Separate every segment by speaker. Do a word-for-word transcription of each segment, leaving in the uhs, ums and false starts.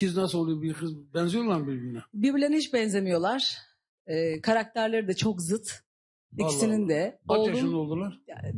Speaker 1: İkiz nasıl oluyor bir kız? Benziyorlar mı birbirine?
Speaker 2: Birbirlerine hiç benzemiyorlar. Ee, karakterleri de çok zıt. İkisinin
Speaker 1: Allah.
Speaker 2: de.
Speaker 1: Kaç
Speaker 2: Oğlum,
Speaker 1: yaşında oldular?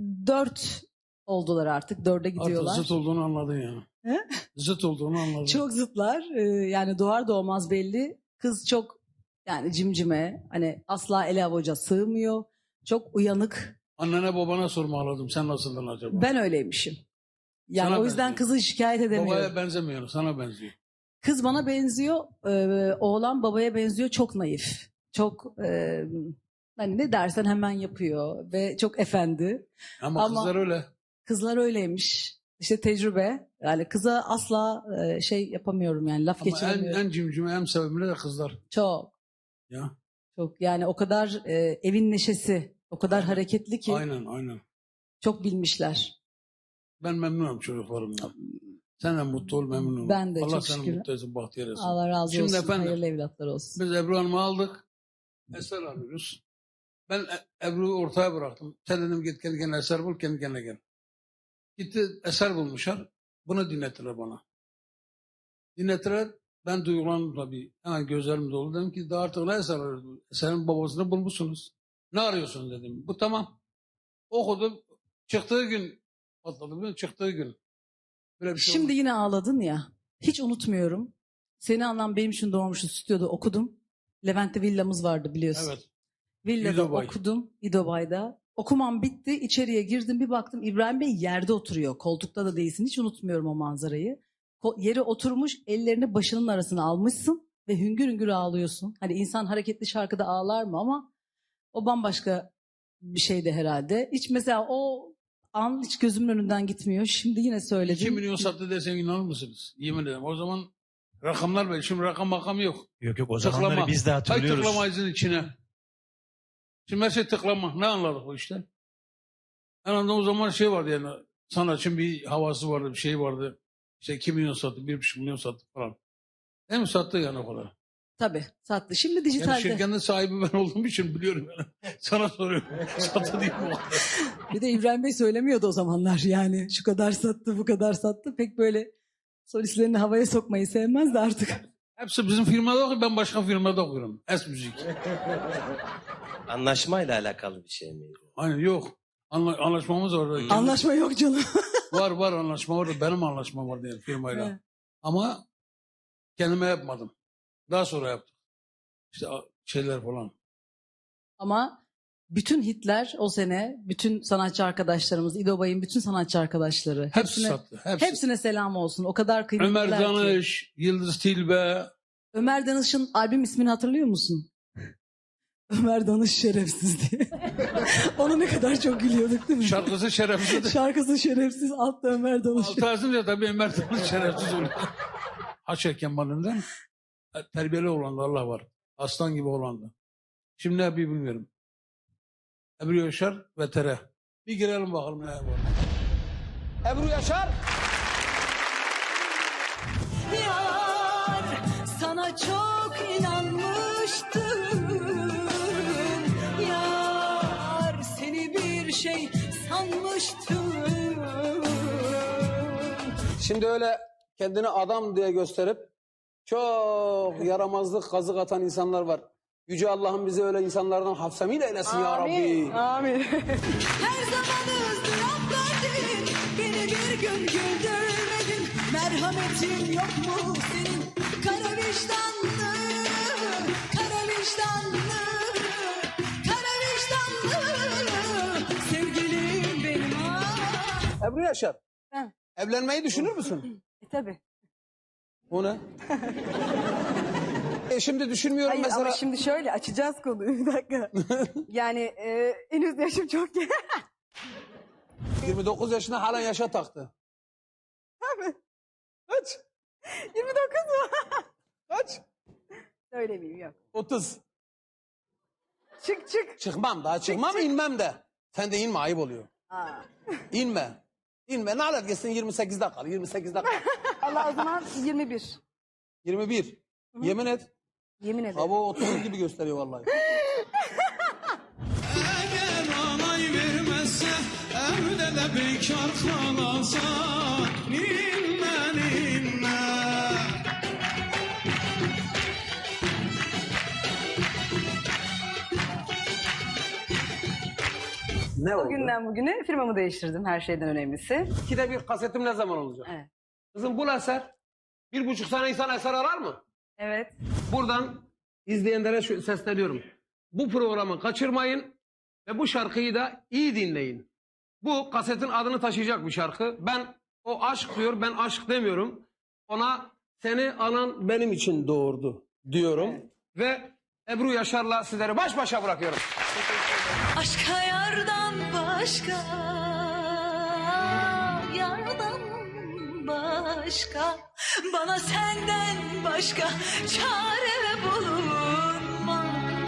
Speaker 2: Dört oldular artık. Dörde gidiyorlar.
Speaker 1: Artık zıt olduğunu anladın yani.
Speaker 2: He?
Speaker 1: Zıt olduğunu anladın.
Speaker 2: Çok zıtlar. Ee, yani doğar doğmaz belli. Kız çok yani cimcime. Hani asla ele avuca sığmıyor. Çok uyanık.
Speaker 1: Annene babana sormaladım. Sen nasıldın acaba?
Speaker 2: Ben öyleymişim. Yani
Speaker 1: Sana
Speaker 2: o yüzden
Speaker 1: benziyor.
Speaker 2: kızı şikayet edemiyorum.
Speaker 1: Babaya benzemiyor. Sana benziyor.
Speaker 2: Kız bana benziyor. E, oğlan babaya benziyor. Çok naif. Çok e, hani ne dersen hemen yapıyor. Ve çok efendi.
Speaker 1: Ama,
Speaker 2: Ama-
Speaker 1: kızlar öyle.
Speaker 2: Kızlar öyleymiş. İşte tecrübe. Yani kıza asla e, şey yapamıyorum yani laf
Speaker 1: Ama en,
Speaker 2: geçiremiyorum.
Speaker 1: en cimcime, en sevimli de kızlar.
Speaker 2: Çok.
Speaker 1: Ya.
Speaker 2: Çok yani o kadar e, evin neşesi. O kadar
Speaker 1: Aynen.
Speaker 2: hareketli ki.
Speaker 1: Aynen aynen.
Speaker 2: Çok bilmişler.
Speaker 1: Ben memnunum çocuklarımdan. Sen de mutlu ol, memnun ol.
Speaker 2: Ben de
Speaker 1: Allah
Speaker 2: çok
Speaker 1: seni
Speaker 2: şükür.
Speaker 1: mutlu etsin, bahtiyar etsin.
Speaker 2: Allah razı
Speaker 1: Şimdi
Speaker 2: olsun.
Speaker 1: efendim,
Speaker 2: Hayırlı evlatlar olsun.
Speaker 1: Biz Ebru Hanım'ı aldık. Eser alıyoruz. Ben E- Ebru'yu ortaya bıraktım. Sen dedim git kendi kendine eser bul, kendi kendine gel. Gitti eser bulmuşlar. Bunu dinlettiler bana. Dinlettiler. Ben duygulandım tabii. Hemen gözlerim dolu. Dedim ki daha artık ne eser arıyorsunuz? Eserin babasını bulmuşsunuz. Ne arıyorsunuz dedim. Bu tamam. Okudum. Çıktığı gün patladı. Biliyor musun? Çıktığı gün. Böyle bir şey
Speaker 2: Şimdi
Speaker 1: olmadı.
Speaker 2: yine ağladın ya. Hiç unutmuyorum. Seni anlam benim için doğmuştu stüdyoda okudum. Levent'te villamız vardı biliyorsun.
Speaker 1: Evet.
Speaker 2: Villada
Speaker 1: İdobay.
Speaker 2: okudum. İdobay'da. Okumam bitti. İçeriye girdim bir baktım İbrahim Bey yerde oturuyor. Koltukta da değilsin. Hiç unutmuyorum o manzarayı. Ko- yere oturmuş ellerini başının arasına almışsın ve hüngür hüngür ağlıyorsun. Hani insan hareketli şarkıda ağlar mı ama o bambaşka bir şeydi herhalde. Hiç mesela o an hiç gözümün önünden gitmiyor. Şimdi yine söyledim.
Speaker 1: iki milyon sattı desem inanır mısınız? Yemin ederim. O zaman rakamlar belli. Şimdi rakam makam yok.
Speaker 3: Yok yok o
Speaker 1: Tıklama.
Speaker 3: zamanları biz de
Speaker 1: Hay
Speaker 3: hatırlıyoruz.
Speaker 1: tıklamayızın içine. Şimdi her şey tıklama. Ne anladık bu işte? En azından o zaman şey vardı yani. Sanatçının bir havası vardı, bir şey vardı. İşte iki milyon sattı, bir buçuk milyon sattı falan. Değil mi? Sattı yani o kadar.
Speaker 2: Tabii sattı. Şimdi
Speaker 1: Yani
Speaker 2: dijitalde.
Speaker 1: şirketin sahibi ben olduğum için biliyorum yani. Sana soruyorum. Sattı değil mi?
Speaker 2: Bir de İbrahim Bey söylemiyordu o zamanlar yani. Şu kadar sattı, bu kadar sattı. Pek böyle solistlerini havaya sokmayı sevmezdi artık.
Speaker 1: Hepsi bizim firmada okuyor, ben başka firmada okuyorum. Es Müzik.
Speaker 4: Anlaşmayla alakalı bir şey mi?
Speaker 1: Aynen yok. Anla, anlaşmamız var. Kendi-
Speaker 2: Anlaşma yok canım.
Speaker 1: Var var anlaşma var. Benim anlaşmam var diye firmayla.
Speaker 2: Evet.
Speaker 1: Ama kendime yapmadım. Daha sonra yaptım. İşte a- şeyler falan.
Speaker 2: Ama bütün hitler o sene, bütün sanatçı arkadaşlarımız, İdobay'ın bütün sanatçı arkadaşları.
Speaker 1: Hepsi
Speaker 2: hepsine,
Speaker 1: sattı. Hepsi.
Speaker 2: hepsine selam olsun. O kadar kıymetliler
Speaker 1: Ömer
Speaker 2: ki.
Speaker 1: Danış, Yıldız Tilbe.
Speaker 2: Ömer Danış'ın albüm ismini hatırlıyor musun? Ömer Danış şerefsiz diye. Ona ne kadar çok gülüyorduk değil mi?
Speaker 1: Şarkısı şerefsiz.
Speaker 2: Şarkısı şerefsiz, altta Ömer Danış.
Speaker 1: Altı yazınca tabii Ömer Danış şerefsiz oluyor. Haşa Kemal'inden. Terbiyeli olan da Allah var. Aslan gibi olan da. Şimdi ne yapayım bilmiyorum. Ebru Yaşar ve Tere. Bir girelim bakalım ne var. Ebru Yaşar.
Speaker 5: Yar sana çok inanmıştım. Yar seni bir şey sanmıştım.
Speaker 6: Şimdi öyle kendini adam diye gösterip çok yaramazlık kazık atan insanlar var. Yüce Allah'ım bizi öyle insanlardan hafsamiyle eylesin ya Rabbi.
Speaker 5: Amin. Her zaman ızdırap verdin. Beni bir gün güldürmedin. Merhametin yok mu senin? Kara vicdanlı, kara vicdanlı, kara vicdanlı. Sevgilim benim ah.
Speaker 6: Ebru Yaşar.
Speaker 2: He.
Speaker 6: Evlenmeyi düşünür müsün?
Speaker 2: E tabii.
Speaker 6: O ne? e şimdi düşünmüyorum
Speaker 7: Hayır
Speaker 6: mesela.
Speaker 7: ama şimdi şöyle açacağız konuyu bir dakika. Yani e, henüz yaşım çok genç.
Speaker 6: yirmi dokuz yaşında halen yaşa taktı. Kaç?
Speaker 7: yirmi dokuz mu?
Speaker 6: Kaç?
Speaker 7: Söylemeyeyim yok.
Speaker 6: otuz.
Speaker 7: Çık çık.
Speaker 6: Çıkmam daha çıkmam inmem de. Sen de inme ayıp oluyor.
Speaker 7: Aa.
Speaker 6: İnme. İnme ne alır gitsin yirmi sekizde kal. yirmi sekizde kal.
Speaker 7: Allah o zaman yirmi bir.
Speaker 6: yirmi bir. Yemin et.
Speaker 7: Yemin ederim.
Speaker 6: Hava otuz gibi gösteriyor vallahi.
Speaker 8: Eğer onay vermezse evde de bekar kalasa ninne ninne
Speaker 6: Ne
Speaker 7: O
Speaker 6: oldu?
Speaker 7: günden bugüne firmamı değiştirdim, her şeyden önemlisi.
Speaker 6: İkide bir kasetim ne zaman olacak?
Speaker 7: Evet.
Speaker 6: Kızım bul eser. Bir buçuk sene insan eser arar mı?
Speaker 7: Evet.
Speaker 6: Buradan izleyenlere şu- sesleniyorum. Bu programı kaçırmayın ve bu şarkıyı da iyi dinleyin. Bu kasetin adını taşıyacak bir şarkı. Ben o aşk diyor, ben aşk demiyorum. Ona seni anan benim için doğurdu diyorum.
Speaker 7: Evet.
Speaker 6: Ve Ebru Yaşar'la sizleri baş başa bırakıyorum.
Speaker 5: Aşka yardan başka, yardan başka, bana senden başka çare bulunmaz.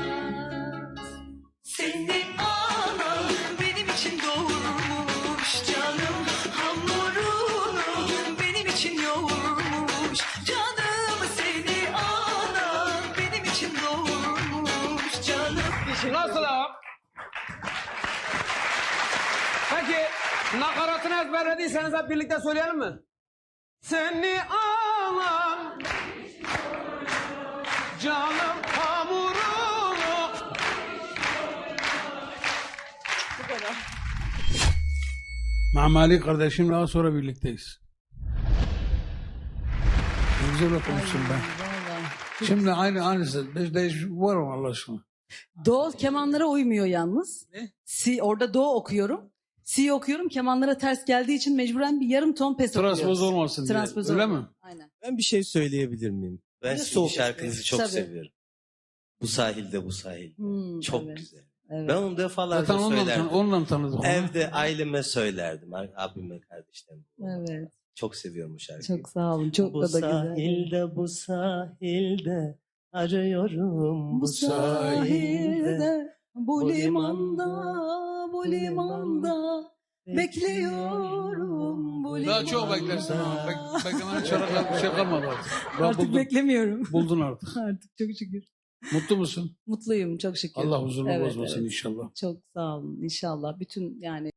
Speaker 5: Seni anan benim için doğurmuş, canım hamurunu benim için yoğurmuş, canım seni anan benim için doğurmuş, canım.
Speaker 6: Nasıl ha? Peki nakaratını ezberlediyseniz hep birlikte söyleyelim mi? Seni alan canım hamurunu.
Speaker 1: Mamali kardeşimle daha sonra birlikteyiz. Ne güzel okumuşsun ben.
Speaker 2: Vallahi.
Speaker 1: Şimdi aynı aynısı. Beş değiş var mı Allah aşkına?
Speaker 2: Do kemanlara uymuyor yalnız.
Speaker 1: Ne?
Speaker 2: Si, orada do okuyorum. Si okuyorum. Kemanlara ters geldiği için mecburen bir yarım ton pes okuyoruz.
Speaker 1: Transpoz olmasın diye.
Speaker 2: Transpoz
Speaker 1: Öyle
Speaker 2: olmuyor.
Speaker 1: mi?
Speaker 2: Aynen.
Speaker 3: Ben bir şey söyleyebilir miyim? Ben
Speaker 2: Ne
Speaker 3: sizin
Speaker 2: soğuk.
Speaker 3: şarkınızı çok
Speaker 2: Tabii.
Speaker 3: seviyorum. Bu sahilde bu sahil.
Speaker 2: Hmm,
Speaker 3: Çok
Speaker 2: evet,
Speaker 3: güzel.
Speaker 2: evet.
Speaker 3: Ben onu defalarca
Speaker 1: Zaten ondan,
Speaker 3: söylerdim.
Speaker 1: tan ondan tanıdık onu.
Speaker 3: Evde aileme söylerdim. Abime, kardeşlerime.
Speaker 2: Evet.
Speaker 3: Çok seviyorum bu şarkıyı.
Speaker 2: Çok sağ olun. Çok
Speaker 3: bu
Speaker 2: da, da güzel.
Speaker 3: sahilde bu sahilde arıyorum
Speaker 2: Bu sahilde, bu
Speaker 3: bu
Speaker 2: limanda,
Speaker 3: limanda,
Speaker 2: bu limanda bekliyorum bu limanda.
Speaker 1: Daha çok beklersin ama. Bek beklemene çare bir şey kalmadı artık. Daha
Speaker 2: Artık
Speaker 1: buldun,
Speaker 2: beklemiyorum.
Speaker 1: buldun artık.
Speaker 2: Artık çok şükür.
Speaker 1: Mutlu musun?
Speaker 2: Mutluyum çok şükür.
Speaker 1: Allah huzurunu
Speaker 2: Evet,
Speaker 1: bozmasın
Speaker 2: evet.
Speaker 1: inşallah.
Speaker 2: Çok sağ olun inşallah. Bütün yani